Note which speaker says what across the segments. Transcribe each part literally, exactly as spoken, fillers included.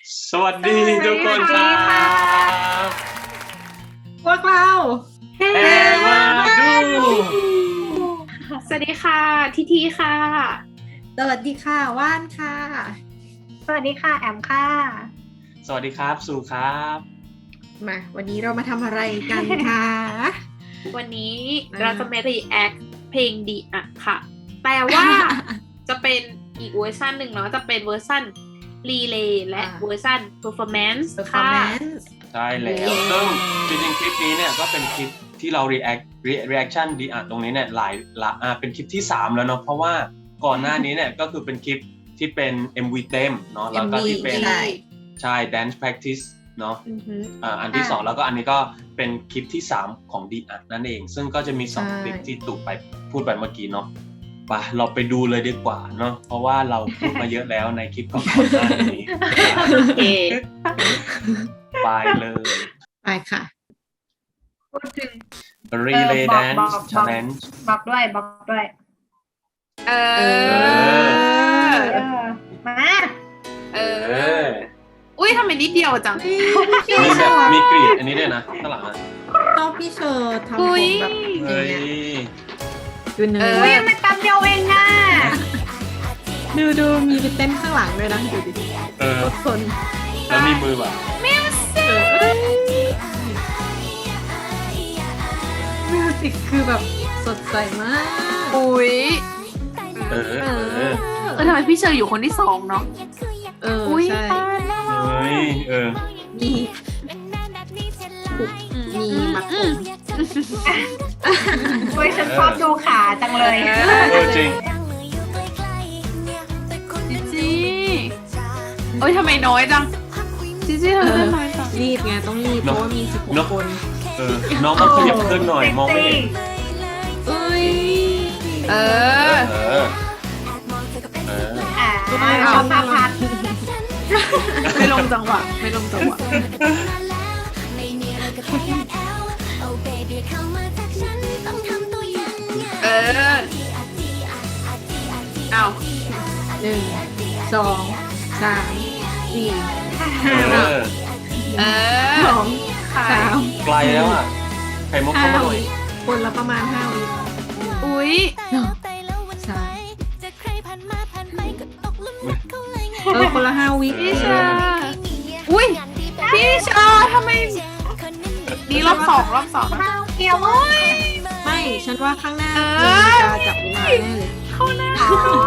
Speaker 1: สวัสดีทุกคนครับ
Speaker 2: พวกเรา
Speaker 1: เฮมาดู
Speaker 3: สวัสดีค่ะทีทีค่ะ
Speaker 2: สวัสดีค่ะว่านค่ะ
Speaker 4: สวัสดีค่ะแอมค่ะ
Speaker 1: สวัสดีครับสุครับ
Speaker 2: มาวันนี้เรามาทำอะไรกันคะ
Speaker 3: วันนี้เราจะมา react เพลงดีอะค่ะแต่ว่า จะเป็นอีกเวอร์ชันหนึ่งเนาะจะเป็นเวอร์ชันรีเลย์และเวอร์ชัน performance ค่ะ
Speaker 1: ใช่แล้วซึ่งจริงๆคลิปนี้เนี่ยก็เป็นคลิปที่เรา react reaction ดีอ่ะตรงนี้เนี่ยหลายละอ่าเป็นคลิปที่สามแล้วเนาะเพราะว่าก่อนหน้านี้เนี่ยก็คือเป็นคลิปที่เป็น เอ็ม วี เต็มเนาะแล้วก็ที่เป็นใช่ dance practice เนาะอ่าอันที่สองแล้วก็อันนี้ก็เป็นคลิปที่สามของดีอ่ะนั่นเองซึ่งก็จะมีสองคลิปที่ตู่ไปพูดไปเมื่อกี้เนาะไปเราไปดูเลยดีกว่าเนาะเพราะว่าเราพูดมาเยอะแล้วในคลิปก่อนหน้านี้ไปเลย
Speaker 2: ไปค่ะ
Speaker 4: พูดถึง
Speaker 1: Relay Dance Challenge
Speaker 4: บอกด้วยบอกด้วย
Speaker 3: เออ
Speaker 4: มา
Speaker 3: เอออุ้ยทำไมนิดเดียวจัง
Speaker 1: มีแบบมีกรีดอันนี้ด้วยนะข้างหลังอ่ะ
Speaker 2: ต้องพี่เชอร์ทำผมแบบ
Speaker 1: เฮ้ย
Speaker 2: ดูเนื้อ
Speaker 4: อุ้ยมันตามเดียวเองอ่ะ
Speaker 2: ดูดูมีไปเต้นข้างหลังด้วยนะดูดิ
Speaker 1: เออ
Speaker 2: คน
Speaker 1: แล้วมีมือแบบ
Speaker 3: มิวสิก
Speaker 2: มิวสิกคือแบบสดใสมาก
Speaker 3: อุ้ย
Speaker 1: เออเออเอ
Speaker 3: อทำไมพี่เชอร์อยู่คนที่สองเนาะ
Speaker 2: เออใช่
Speaker 1: เฮ้ยเออ
Speaker 2: มีมีมัดผม
Speaker 4: เฮ้ยฉันชอบดูขาจังเลย
Speaker 1: เออจริง
Speaker 3: จิจิโอ้ยทำไมน้อยจังจิจิทำไมน้อยจัง
Speaker 2: รีบไงต้องรีบเพราะว่ามีสิบหกคน
Speaker 1: เออน้องต้องขยับขึ้นหน่อยมองไม่เห็น
Speaker 2: เอ้ย
Speaker 3: เออ
Speaker 1: เออเออ
Speaker 4: อ่าเอาพาพัด
Speaker 3: ไม่ลงจังหวะไม่ลงจังหวะเออเอา
Speaker 2: หนึ่งสองสามสี่
Speaker 1: เออ
Speaker 3: เออ
Speaker 2: สองสาม
Speaker 1: ไกลแล้วอ่ะไข่มุกเข้ามาหน่อย
Speaker 2: คนละประมาณห้าวิ
Speaker 3: อุ้ย
Speaker 2: สามเออคนละห้าวิ
Speaker 3: พี่ชาอุ้ยพี่ชาทำไมนี่รอบสองรอบสอง
Speaker 4: เกี่ยวมั้ย
Speaker 2: ไม่ฉันว่าข้างหน้าจะจับเวลาแน่เลย
Speaker 3: ข้างหน้า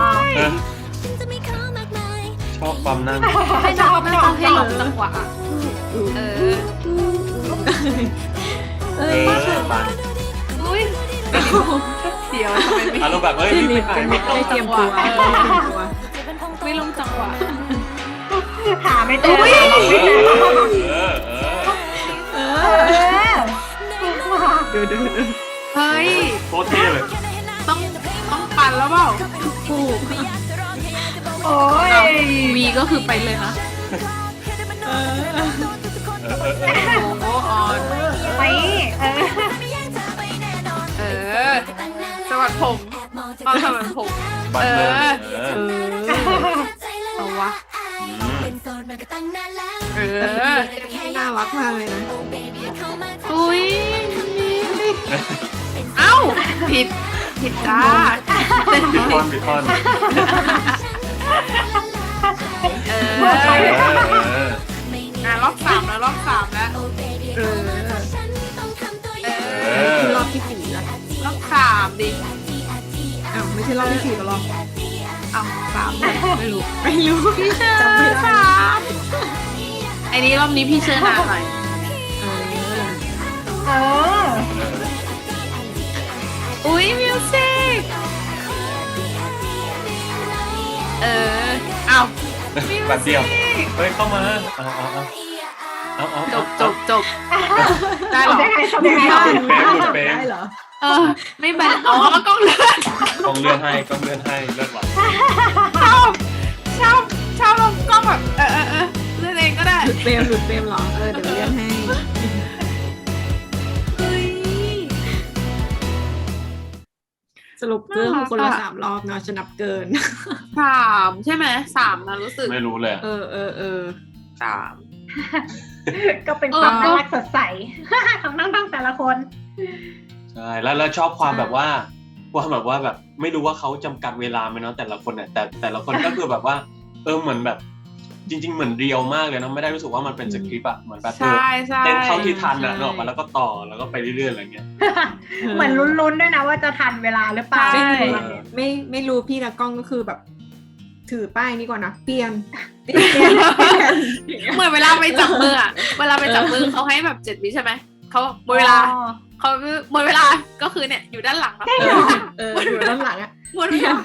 Speaker 1: ชอบความนั่ง
Speaker 3: ไม่ชอบไม่ชอบให้ลงจังหวะเออ
Speaker 2: เอ้ย
Speaker 3: อุ้ยเดี๋ยวทำไมไม่
Speaker 1: อารมณ์แบบเฮ้ยไม่ถ่าย
Speaker 3: ไม่ลงจังหวะไม่ลงจังหวะ
Speaker 4: หาไม่ตัว
Speaker 1: เออเออ
Speaker 4: เออ
Speaker 2: ดูดูดู
Speaker 3: เฮ้ย
Speaker 1: โคตรเท่เลย
Speaker 3: ต้องต้องปั่นแล้วเปล่า
Speaker 2: ถูก
Speaker 4: โอ้ย
Speaker 3: วีก็คือไปเลยนะ
Speaker 2: เออ
Speaker 3: โอ้ออน
Speaker 4: ไปเออ
Speaker 3: เออสวัสดีผมตอนสวัสดีผม
Speaker 1: เออเอ
Speaker 3: อเอาวะเออ
Speaker 2: น่ารักมากเลยนะ
Speaker 3: อุ้ยเอ้าผิดผิดจ้า
Speaker 1: ผิดท่อนผิดท่อน
Speaker 3: เอออ่ะรอบสามแล้วรอบสามแล้ว
Speaker 2: เออ
Speaker 3: เออ
Speaker 2: รอบที่สี่แล้ว
Speaker 3: รอบสามดิ
Speaker 2: อ้าวไม่ใช่รอบที่สี่ก็รอบ
Speaker 3: อ้าวสาม
Speaker 2: ไม่รู้ไม่รู้
Speaker 3: พี่เชอร์สามไอ้นี้รอบนี้พี่เชอร์นานหน่อย
Speaker 2: เออ
Speaker 4: เออ
Speaker 3: อุ้ยมิวสิกเออเอา
Speaker 1: แบบเดียวเฮ้ยเข้ามาเอาเอาเอาเอา
Speaker 3: จบจบจบได้หรอ
Speaker 2: ได้เหรอ
Speaker 3: เออไม่เป็นอ๋อกล้องเลื่อน
Speaker 1: กล้องเลื่อนให้กล้องเลื่อนให้เลื่อนหลัง
Speaker 3: ชอบชอบชอบลงกล้องแบบเออเออเออเลื่อนเองก็ได้
Speaker 2: หลุดเฟรมหลุดเฟรมหรอเออเดี๋ยวเลื่อนให้สรุปเรื่องคนละสามรอบเนาะจะนับเกิน
Speaker 3: สามใช่ไหมสามนะรู้สึก
Speaker 1: ไม่รู้เลย
Speaker 2: เออเออเออ
Speaker 3: สาม
Speaker 4: ก็เป็นความน่ารักสดใสของน้องๆแต่ละคน
Speaker 1: ใช่แล้วแล้วชอบความแบบว่าความแบบว่าแบบไม่รู้ว่าเขาจำกัดเวลาไหมเนาะแต่ละคนเนี่ยแต่แต่ละคนก็คือแบบว่าเออเหมือนแบบจริง ๆเหมือนเรียวมากเลยนะไม่ได้รู้สึกว่ามันเป็นสคริปต์อะเหมือนแบบเออ
Speaker 3: ใช่ใช่
Speaker 1: เต้นเข้าที่ทันอะเนกอะมาแล้วก็ต่อแล้วก็ไปเรื่อยๆอะไรเงี้ย
Speaker 4: เหมือนลุ้นๆด้วยนะว่าจะทันเวลาหรือเปล่า
Speaker 3: ใช่
Speaker 2: ไม่
Speaker 1: เออ
Speaker 2: ไม่ไม่รู้พี่ละกล้องก็คือแบบ ถือป้ายนี้ก่อนนะเปลี่ยนเปลี่ยนเปลี่ยนเปลี่ยนอย่างเงี้ย
Speaker 3: เหมือนเวลาไปจับมืออะเวลาไปจับมือเขาให้แบบเจ็ดวิใช่ไหมเขาหมดเวลา
Speaker 4: อ๋อ
Speaker 3: เขาหมดเวลาก็คือเนี่ยอยู่ด้านหลังแล้ว
Speaker 2: เออเอออยู่ด้านหลังอ่ะ
Speaker 3: หมดเวลา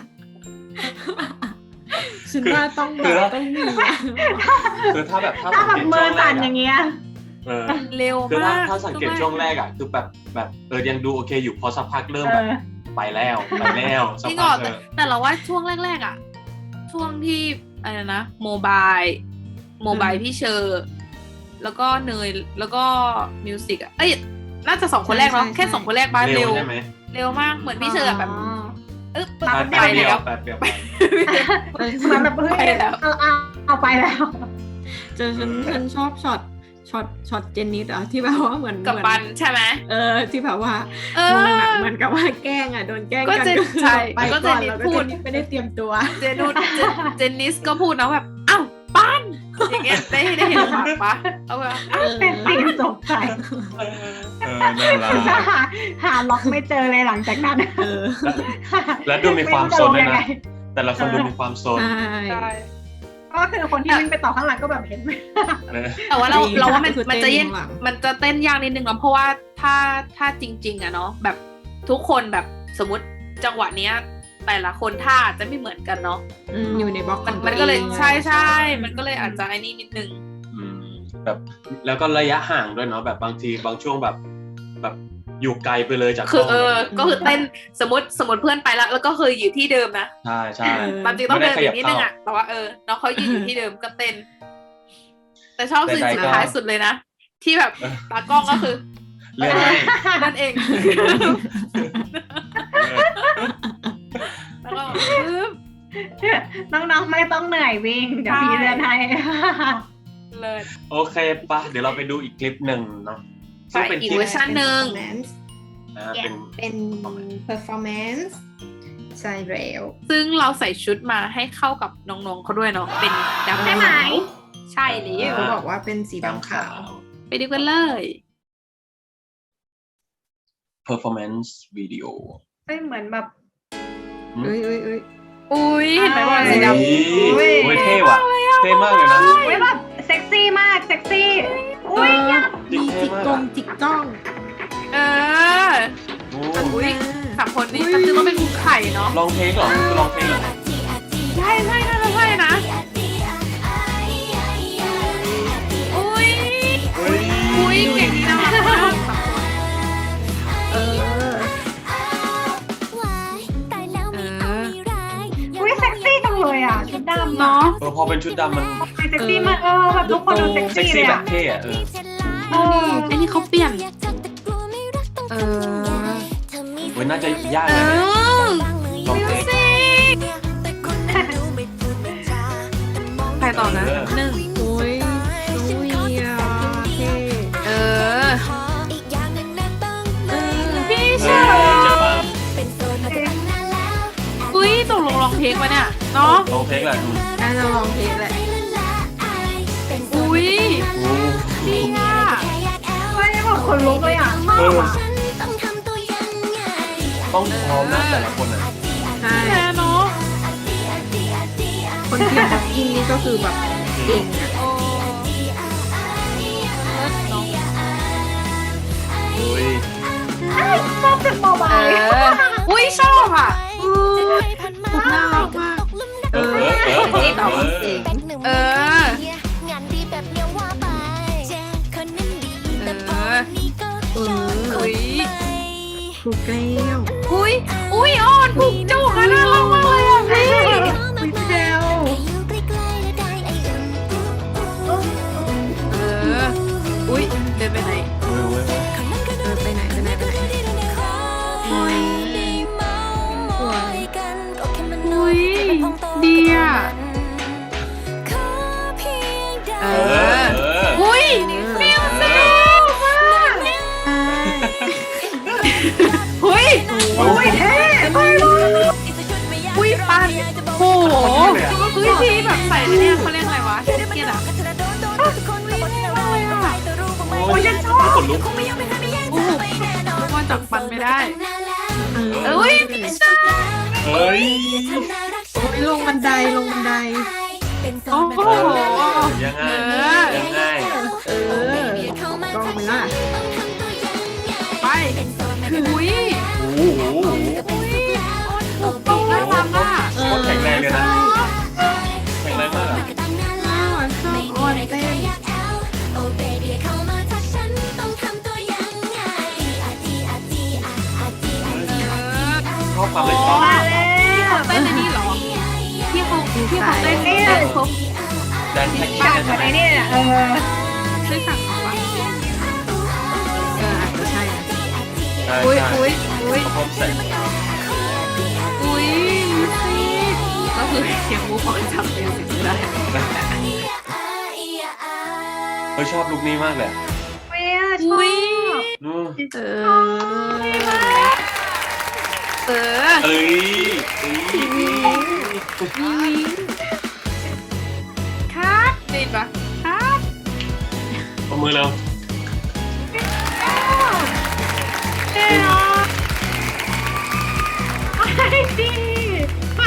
Speaker 2: ฉันว่าต้องแบ
Speaker 1: คื
Speaker 2: บ
Speaker 1: อ
Speaker 2: ต้องมี
Speaker 1: คือถ้าแบบถ้า
Speaker 4: ถ้า
Speaker 1: สัง
Speaker 4: แบ
Speaker 1: เก
Speaker 4: บ
Speaker 1: ต
Speaker 4: มื
Speaker 1: ช่
Speaker 4: อ
Speaker 1: วงแร
Speaker 4: สั่น
Speaker 1: ก
Speaker 4: อ
Speaker 1: อะ
Speaker 4: ย่างเงี้ย
Speaker 1: เออ
Speaker 3: เร็ว
Speaker 1: คือถ้าม
Speaker 3: าก
Speaker 1: ถ้าสังเกตช่วงแรกอะคือแบบแบบเออยังดูโอเคอยู่พอสักพักเริ่ม
Speaker 4: เอ
Speaker 1: แบบ
Speaker 4: อ
Speaker 1: ไปแล้วไปแล้วสั
Speaker 3: จ
Speaker 1: ก
Speaker 3: ริงเหร
Speaker 1: พั
Speaker 3: อก
Speaker 1: เอ
Speaker 3: แต่
Speaker 1: อ
Speaker 3: แต่เราว่าช่วงแรกๆอ่ะ ช่วงที่อะไรนะโมบายโมบายพี่เชอร์แล้วก็เนยแล้วก็มิวสิกอ่ะเอ้ยน่าจะสองคนแรกเนาะแค่สองคนแรกบ้าน
Speaker 1: เร็
Speaker 3: เร็
Speaker 1: ว
Speaker 3: ว
Speaker 1: ใช่ไหม
Speaker 3: เร็วมากเหมือนพี่เชอร์อะแบบเอ๊บ
Speaker 4: มา
Speaker 3: ไป
Speaker 1: แป๊บเดีย
Speaker 3: แล้ว ว
Speaker 1: แป๊บเดียวไป
Speaker 4: เหมือนแบบเฮ้ย
Speaker 3: ไปแล้ว
Speaker 4: เอาเอาเอาไปแล้ว
Speaker 2: เจอฉันฉันชอบช็อตช็อตช็อตเจนนิสอะที่แบบว่าเหมือน
Speaker 3: กับ
Speaker 2: เหมื
Speaker 3: ปั
Speaker 2: อน
Speaker 3: ใช่ไหม
Speaker 2: เออที่แบบว่า
Speaker 3: เอ
Speaker 2: ม
Speaker 3: อ
Speaker 2: องอะเหมือนกับว่าแกล้งอะโดนแกล้ง
Speaker 3: ก็
Speaker 2: กัน
Speaker 3: เจน
Speaker 2: ก็คือ
Speaker 3: ใช่
Speaker 2: ไป
Speaker 3: ก็เจ
Speaker 2: ก่อน
Speaker 3: นนิส
Speaker 2: แล้วก็
Speaker 3: พู
Speaker 2: เจ
Speaker 3: ด
Speaker 2: นนิสไม่ได้เตรียมตัว
Speaker 3: เจนุสเจนเจนนิสก็พูดนะแบบอ้าวปันอย่างเงี้ยได้ได้เห็นปากปะเอาแบบ
Speaker 2: เออ
Speaker 4: เป็นตีมตกใจ
Speaker 1: เออนั่นแหละ
Speaker 4: หาหาล็อกไม่เจอเลยหลังจากนั้น
Speaker 2: เออ
Speaker 1: แล้วดูมีความโซนด้วยนะ
Speaker 4: ไม่รู้จะลงยังไง
Speaker 1: แต่ละคนดูมีความโซน
Speaker 2: ใช่
Speaker 3: ใช่
Speaker 4: ก็คือคนที่วิ่งไปต่อข้างหลังก็แบบเห็นไหม
Speaker 1: เออ
Speaker 3: แต่ว่าเรา
Speaker 2: จริง
Speaker 3: เราว่ามัน
Speaker 2: คือ
Speaker 3: มันจะ
Speaker 2: เต้น
Speaker 3: เย็น
Speaker 2: ข้างหลัง
Speaker 3: มันจะเต้นยากนิดนึงเนาะเพราะว่าถ้าถ้าจริง ๆอะเนาะแบบทุกคนแบบสมมติจังหวะเนี้ย แต่ละคนท่าจะไม่เหมือนกันเนาะ
Speaker 2: อืมอยู่ในบล็อกข
Speaker 3: มั
Speaker 2: อน ง
Speaker 3: มันก็เลย
Speaker 2: ตัวอง
Speaker 3: ใช่ใช่มันก็เลยอาจจะไอ้นี่นิดนึง
Speaker 1: อืมแบบแล้วก็ระยะห่างด้วยเนาะแบบบางทีบางช่วงแบบ แบบอยู่ไกลไปเลยจาก
Speaker 3: คื
Speaker 1: ก
Speaker 3: อ
Speaker 1: ล้อง
Speaker 3: เออ ก็คือเต้นสมมติสมมติเพื่อนไปแล้ว แล้วก็คืออยู่ที่เดิมนะ
Speaker 1: ใช่ใช่
Speaker 3: ตามจริงต้อง
Speaker 1: ไม่
Speaker 3: เดิ
Speaker 1: ได้
Speaker 3: น
Speaker 1: ข
Speaker 3: อี
Speaker 1: ยับ
Speaker 3: กนิดนึง
Speaker 1: เข้า
Speaker 3: อะแต่ว่าเออน้องเขายืนอยู่ที่เดิมก็เต้น แต่ชอบซีน
Speaker 1: ใดๆ
Speaker 3: สุด
Speaker 1: ก็
Speaker 3: ท้ายสุดเลยนะ ที่แบบตากล้องก็คือ
Speaker 1: เรื่องให้
Speaker 3: นั่นเอง
Speaker 1: เออ
Speaker 3: แล้วก็ปึ๊บ
Speaker 4: น้องๆไม่ต้องเหนื่อยวิ่ง เดี๋ยวพี่เดินให้
Speaker 3: เลย
Speaker 1: โอเคปะเดี๋ยวเราไปดูอีกคลิปหนึ่งเนาะ
Speaker 3: ไปอีกเวอร์ชันหนึ่ง
Speaker 1: นะเป็น
Speaker 2: เป็น performance ใช่แล้ว
Speaker 3: ซึ่งเราใส่ชุดมาให้เข้ากับน้องๆเขาด้วยเนาะเป็นดำ
Speaker 4: ใช่ไหม
Speaker 3: ขาวใช่แล้
Speaker 2: เขา
Speaker 3: ว
Speaker 2: บอกว่าเป็นสีดำขาว
Speaker 3: ไปดูกันเลย
Speaker 1: performance video
Speaker 4: เฮ้ยเหมือนแบบ
Speaker 2: เอ้ยเอ้ยเอ้ย
Speaker 3: อุ้ยเห็นไหมว่า
Speaker 4: เอ้ย
Speaker 3: สีด
Speaker 1: โอ้ยโอ้ยเท่ว่ะเท่มากเลยนะ
Speaker 4: เฮ้ยแบบเซ็กซี่มากเซ็กซี่ อุ้ย
Speaker 1: จริง
Speaker 2: มี
Speaker 1: เท่
Speaker 2: จิก
Speaker 1: มาก
Speaker 2: ก
Speaker 1: อะ
Speaker 2: งจิกจ้อง
Speaker 3: ำเออ
Speaker 1: โอ้
Speaker 3: อุ้ยสามคนนี้ก็คือว่าเป็นคุกไข่เนาะ
Speaker 1: ลองเพลงเหรอคือลองเพลงเหรอ
Speaker 3: ใช่ใช่น่าจะใช่นะอุ้ย
Speaker 1: เฮ้ย
Speaker 3: อุ้ยเก่งดีนะสามคน
Speaker 2: เออ
Speaker 3: เออ
Speaker 4: อุ้ยเซ็กซี่จังเลยอ่ะชุดดำ
Speaker 3: เนาะ
Speaker 1: เออพอเป็นชุดดำมัน
Speaker 4: เซ็กซี่มากเออแบบทุกคนดูเซ็ก
Speaker 1: เซ็ก
Speaker 4: ซี่เล
Speaker 1: ซี่
Speaker 4: ย
Speaker 1: แบ
Speaker 4: อ่ะ
Speaker 1: บเท่อะเออ
Speaker 3: เออไอ้นี่เขาเปลี่ยน
Speaker 2: เออ
Speaker 1: เว้ยน่าจะยาก
Speaker 3: เอ
Speaker 1: เลยเนี่ย
Speaker 3: อ
Speaker 1: ลองเพลง
Speaker 3: ใครต่อนะหนึ่ง
Speaker 2: โอ้ยน้องเวียเท่
Speaker 3: เออพี่
Speaker 1: เอ
Speaker 3: เช
Speaker 1: อ
Speaker 3: อ
Speaker 1: เจ็บ
Speaker 3: ร์
Speaker 1: ปะ
Speaker 3: อุ้ยตกลงร้องเพลงมาเนี่ยเนาะ
Speaker 1: ลองเพลงแหละอืม
Speaker 2: น่าจะลองเพลงแหละ
Speaker 3: อุ้ย
Speaker 1: โอ้
Speaker 3: ดีอ่ะ
Speaker 4: เฮ้ยแบบคนลุกเลยอ่ะชอบ
Speaker 1: เออ
Speaker 4: อ่ะ
Speaker 1: ต้องพร้อมนะแต่ละคนอ่ะ
Speaker 2: ใช่
Speaker 3: แค่เนาะ
Speaker 2: คนที่บ็อกกิ้งนี่ก็คือแบบเก่งอะ
Speaker 3: โอ้เนาะ
Speaker 1: โอ้ย
Speaker 4: ชอบเป็นเบา
Speaker 3: เอออุ้ยชอบอ่ะ
Speaker 2: พูดน่ารักมาก
Speaker 1: เออเออเออเออ
Speaker 2: ต่อ
Speaker 1: เออ
Speaker 2: เก่ง
Speaker 3: เออ
Speaker 5: งานดีแบบเลี้ยวว่าไปคนนั้นดีแต่พอนี้ก็
Speaker 2: เออ
Speaker 3: อุ้ย
Speaker 2: ครูแก้ว
Speaker 3: อุ้ยอุ้ยอ่อนผูกจุกอะน่ารักมากเลยอ่ะพี่
Speaker 2: วิเดล
Speaker 5: อยู่ใกล้ๆแล้วได้ไออุ่น
Speaker 3: เอออุ้ยเดินไปไหน
Speaker 1: เออเว้ย
Speaker 5: คนนั้นก็
Speaker 2: เอ
Speaker 5: ดู
Speaker 2: อไปไหนไปไหนไปไหน
Speaker 5: ดีดูในคอ
Speaker 2: อุ้ย
Speaker 5: ได้เมามอยกันก็แค่มันน้
Speaker 3: อุ้
Speaker 5: อย
Speaker 3: ย
Speaker 5: ไปพองโต
Speaker 3: ดีอ่ะ
Speaker 5: ขอเพียงได้
Speaker 3: เออ
Speaker 1: อ
Speaker 3: อุ้ย
Speaker 1: เออ
Speaker 3: อุ้ย
Speaker 2: อุ้ยเท่
Speaker 3: อุ้ยปันโอ้โหอุ้ยที่แบบใส่เนี่ยเขาเรียกอะไรวะแจ็คเก็ตอะ
Speaker 1: โอ้ยฉันชอบขนลุก
Speaker 3: โอ้โหว่าจับปันไม่ได้
Speaker 2: เออ
Speaker 3: อุ้ย
Speaker 1: เฮ้ย
Speaker 2: ลงบันไดลงบันได
Speaker 3: โอ้โห
Speaker 1: ยังไง
Speaker 3: เออ
Speaker 1: ยังไง
Speaker 2: เออ กล้องไปล่ะ
Speaker 3: ไปอุ้ย
Speaker 1: โอ้โห
Speaker 3: ต้องได้ตามล่ะ
Speaker 2: เออ
Speaker 1: โคตรแข็งแรงเลยนะ แข็งแรงมากอะ
Speaker 2: น่ารักชอบอ้อนเต้น
Speaker 1: ชอบความเลยชอบ
Speaker 4: มาแล้ว
Speaker 3: เต้นในนี่เหรอที่เขาที่เขาเต้นเต้นครบ
Speaker 1: แดนแท็ก
Speaker 4: บ้า
Speaker 1: ซี่
Speaker 4: น
Speaker 1: ใช่
Speaker 4: อะ
Speaker 1: ไหม
Speaker 4: ไรเนี่ยเออ
Speaker 3: ช่วยสั่งของวะ
Speaker 2: เอออาจจะใช่นะ
Speaker 1: ใช่
Speaker 3: อุ้ย
Speaker 1: ใช่
Speaker 3: อุ้ยอุ้ย
Speaker 1: ครบเสร็จ
Speaker 3: อุ้ยมิวสิกก็คือเสียงมูฟออนจำมิวสิกไม่ได้
Speaker 1: เฮ้ยชอบลุคนี้มากเลย
Speaker 4: เวียชอ
Speaker 3: อุ้ย
Speaker 4: บ
Speaker 1: อืม
Speaker 2: เออ
Speaker 3: เออ
Speaker 1: เอ้ยเอ้ย
Speaker 3: ครับได้ปะครับ
Speaker 1: เอามือเรา
Speaker 4: เท่อะไอ้ดีค่ะ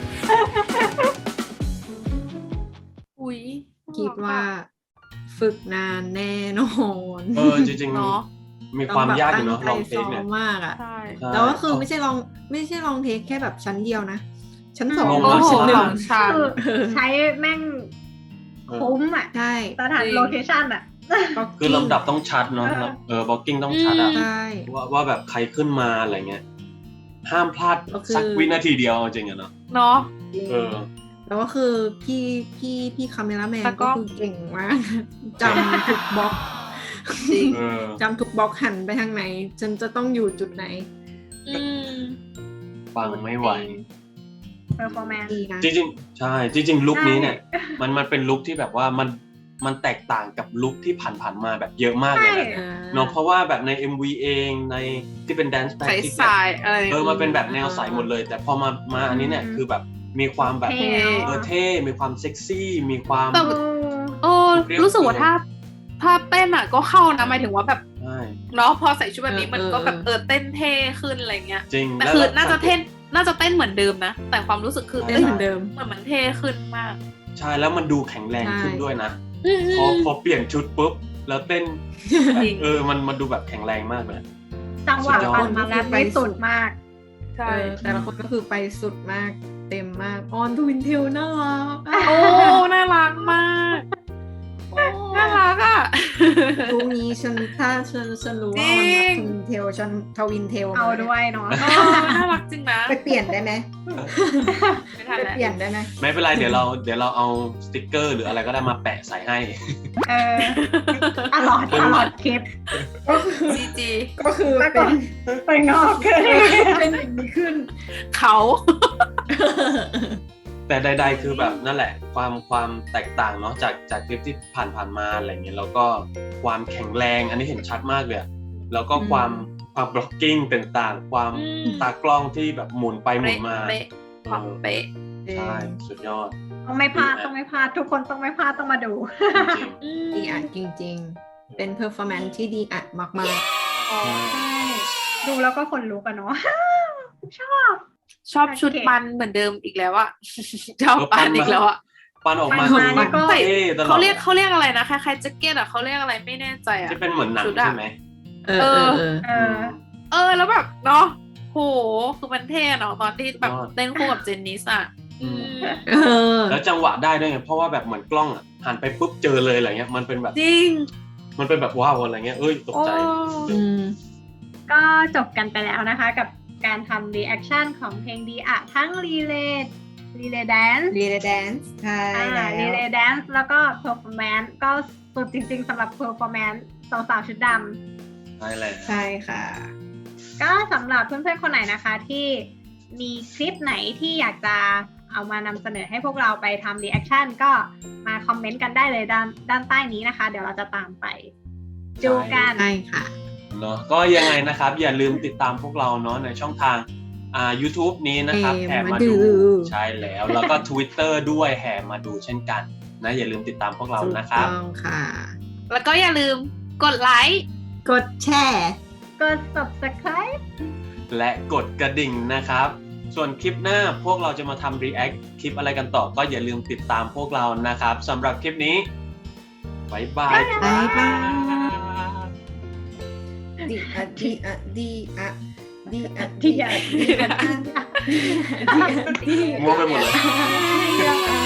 Speaker 3: อุ้ย
Speaker 2: คิดว่าฝึกนานแน่นอน
Speaker 1: เออจริง
Speaker 3: เนาะ
Speaker 1: ๆ มีความยากอยู่เนาะลองเทค
Speaker 2: เนี่
Speaker 1: เนี่ย ย
Speaker 2: มากอ่ะ
Speaker 3: ใช่
Speaker 1: ใช่
Speaker 2: แต่ว่าคือไม่ใช่ลองไม่ใช่ลองเทคแค่แบบชั้นเดียวนะ ชั้นสอง
Speaker 1: ลง
Speaker 3: โอ้
Speaker 1: มา
Speaker 3: โห
Speaker 1: ชั้นหนึ่
Speaker 3: ส
Speaker 1: ง
Speaker 3: องชั้น
Speaker 4: คือใช้แม่งคุ้มอ่ะ
Speaker 2: ใช่
Speaker 4: สถานโลเคชั่นอ่ะ
Speaker 1: คือลำดับต้องชัดเนาะเออบล็อกกิ้งต้องชัดอะ
Speaker 2: ใช่
Speaker 1: ว่าว่าแบบใครขึ้นมาอะไรเงี้ย ห้ามพลาด
Speaker 2: ก็คือ
Speaker 1: สักวินาทีเดียวจริงอะเนาะ
Speaker 3: เนาะ
Speaker 1: เออ
Speaker 2: แล้วก็คือพี่พี่พี่คาเมราแมน
Speaker 3: แล้วก็
Speaker 2: ก็คือเก่งมาก จำทุกบล็อก
Speaker 3: จริง
Speaker 1: เออ
Speaker 2: จำทุกบล็อกหันไปทางไหน ฉันจะต้องอยู่จุดไหน
Speaker 3: อืม
Speaker 1: ฟังไม่ไหว
Speaker 4: เ e อร์ฟอร์แมนซ์
Speaker 2: ดีนะ
Speaker 1: จริงๆ ใช่ จริงๆ ลุคนี้เนี่ย
Speaker 4: ใช่
Speaker 1: มันมันเป็นลุคที่แบบว่ามันมันแตกต่างกับลุคที่ผ่านๆมาแบบเยอะมากเลยนะ
Speaker 2: อ่า
Speaker 1: เนาะเพราะว่าแบบใน เอ็ม วี เองในที่เป็น dance
Speaker 3: ใส
Speaker 1: practice
Speaker 3: สายอะไร
Speaker 1: เออมันเป็นแบบแนวใสหมดเลย แต่พอมามาอันนี้เนี่ยคือแบบมีความแบบ
Speaker 4: เท่
Speaker 1: เออเท่มีความเซ็กซี่ มีความ
Speaker 3: แต่ โอ้รู้สึกว่าถ้าถ้าเต้นอ่ะก็เข้านะหมายถึงว่าแบบ
Speaker 1: ใช่
Speaker 3: เนาะพอใส่ชุดแบบนี้
Speaker 2: เออ
Speaker 3: มันก็แบบเออเต้นเท่ขึ้นอะไรเงี้ย
Speaker 1: จริง
Speaker 3: แต่
Speaker 1: แล้ว
Speaker 3: คือ
Speaker 1: แล้ว
Speaker 3: น่าจะเต้นน่าจะเต้นเหมือนเดิมนะ แต่ความรู้สึกคือ
Speaker 2: เต้
Speaker 3: เต้
Speaker 2: น
Speaker 3: น
Speaker 2: เหมือนเดิม
Speaker 3: เหมือนมันเท่ขึ้นมาก
Speaker 1: ใช่แล้วมันดูแข็งแรงขึ้น
Speaker 2: ใช่
Speaker 1: ด้วยนะ
Speaker 3: อืม
Speaker 1: พอพอเปลี่ยนชุดปุ๊บแล้วเต้น
Speaker 3: จริง
Speaker 1: เออมันมันดูแบบแข็งแรงมากเลย
Speaker 4: จังหวะ
Speaker 1: สุดยอด
Speaker 4: ปันมาแล้วไม่สุดมาก
Speaker 3: ใช่
Speaker 2: เออแต่ละคนก็คือไปสุดมากเต็มมากออนทวินเทลน่ารักอะ
Speaker 3: โอ้น่ารักมากโอ้น่ารักอ่ะ
Speaker 2: พรุ่งนี้ฉันถ้าฉันฉันรู้ว่าออนรักทวินเทลฉันทวินเทล
Speaker 4: เอาด้วยเนาะ
Speaker 3: เออน่ารักจริงนะ
Speaker 2: ไปเปลี่ยนได้ไหม
Speaker 3: ไม่ทัน
Speaker 2: ไป
Speaker 3: แล้ว
Speaker 2: เปลี่ยนได้ไหม
Speaker 1: ไม่เป็นไรเดี๋ยวเราเดี๋ยวเราเอาสติกเกอร์หรืออะไรก็ได้มาแปะใส่ให้
Speaker 4: เออตลอดตลอดคลิป
Speaker 2: ก็คือ
Speaker 3: จีจี
Speaker 2: ก็คือ
Speaker 4: แล้ว
Speaker 2: เป็
Speaker 4: ก็
Speaker 2: น
Speaker 4: ไปงอกเลย
Speaker 2: เป็นอย่างนี้ขึ้น
Speaker 3: เขา
Speaker 1: แต่ใด ๆ คือแบบนั่นแหละ ความความแตกต่างเนาะจากจากคลิปที่ผ่านผ่านๆมาอะไรเงี้ยแล้วก็ความแข็งแรงอันนี้เห็นชัดมากเลยอะแล้วก็ความความบล็อกกิ้งต่างๆ ความ
Speaker 3: อืม
Speaker 1: ตากล้องที่แบบหมุนไปหมุนมา
Speaker 3: เป๊ะความเป๊ะ
Speaker 1: ใช่สุดยอด
Speaker 4: ต้องไม่พลาดต้องไม่พลาดทุกคนต้องไม่พลาดต้องมาดู
Speaker 1: จริง
Speaker 3: อืม
Speaker 2: ดีอ่ะจริงๆ เป็นเพอร์ฟอร์แมนซ์ที่ดีอ่ะมาก
Speaker 3: อ๋อ
Speaker 4: ใช่ดูแล้วก็คนลุกอะเนาะ ชอบ
Speaker 3: ชอบชุดปันเหมือนเดิมอีกแล้วอะชอบปันอีกแล้วอะ
Speaker 1: ๆปันออกมา
Speaker 4: ปันมานี่ก็
Speaker 1: เท่ตลอด
Speaker 3: เขาเรียกเขาเรียกอะไรนะคล้ายๆแจ็คเก็ตอะเขาเรียกอะไรไม่แน่ใจอะ
Speaker 1: ที่เป็นเหมือนหนัง
Speaker 3: ชุดอะ
Speaker 1: ใช่ไหม
Speaker 2: ๆ เออเออเออ
Speaker 4: เออ
Speaker 3: เออแล้วแบบเนาะโหคือมันเท่เนาะตอนที่แบบ
Speaker 1: ยอด
Speaker 3: เต้นคู่กับเจนนิสอะอืม
Speaker 2: เออ
Speaker 1: แล้วจังหวะได้ด้วยไงเพราะว่าแบบเหมือนกล้องอะหันไปปุ๊บเจอเลยอะไรเงี้ยมันเป็นแบบ
Speaker 3: จริง
Speaker 1: มันเป็นแบบว้าวอะไรเงี้ยเอ้ยตก
Speaker 3: โอ้
Speaker 1: ใจ
Speaker 2: อืม
Speaker 4: ก็จบกันไปแล้วนะคะกับการทำรีแอคชั่นของเพลงดีอะทั้งรีเลย์รีเลย์แดนซ์
Speaker 2: รีเลย์แดนซ์ใช่แล้ว
Speaker 4: รีเลย์แดนซ์แล้วก็เพอร์ฟอร์แมนซ์ก็สุดจริงๆสำหรับเพอร์ฟอร์แมนซ์สาวๆชุดดำ
Speaker 1: ใช่เลย
Speaker 2: ใช่ค่ะ
Speaker 4: ก็สำหรับเพื่อนๆคนไหนนะคะที่มีคลิปไหนที่อยากจะเอามานำเสนอให้พวกเราไปทำ reaction ก็มาคอมเมนต์กันได้เลยด้านด้านใต้นี้นะคะ เดี๋ยวเราจะตามไปดูกัน
Speaker 2: ใช่ค่ะ
Speaker 1: เนาะก็ยังไงนะครับ อย่าลืมติดตามพวกเราเนาะในช่องทางอ่า YouTube นี้นะครับ
Speaker 2: แห่
Speaker 1: แห่มา
Speaker 2: มา
Speaker 1: ดู
Speaker 2: ดู
Speaker 1: ใช่แล้ว แล้วก็ Twitter ด้วยแห่มาดูเช่นกันนะอย่าลืมติดตามพวกเรานะครับ
Speaker 2: ถูกต้องค่ะ
Speaker 3: แล้วก็อย่าลืมกดไลค์
Speaker 2: กดแชร์
Speaker 4: กด subscribe
Speaker 1: และกดกระดิ่งนะครับ ส่วนคลิปหน้าพวกเราจะมาทำ react คลิปอะไรกันต่อก็อย่าลืมติดตามพวกเรานะครับสำหรับคลิปนี้บ๊ายบาย
Speaker 2: บ๊ายบาย
Speaker 1: ครับ
Speaker 2: ดีอะดีอะดีอะดีอะ
Speaker 4: ดีอะดีอะ
Speaker 2: ดีอะ
Speaker 1: มั่วไปหมดเลย
Speaker 2: ดีอะ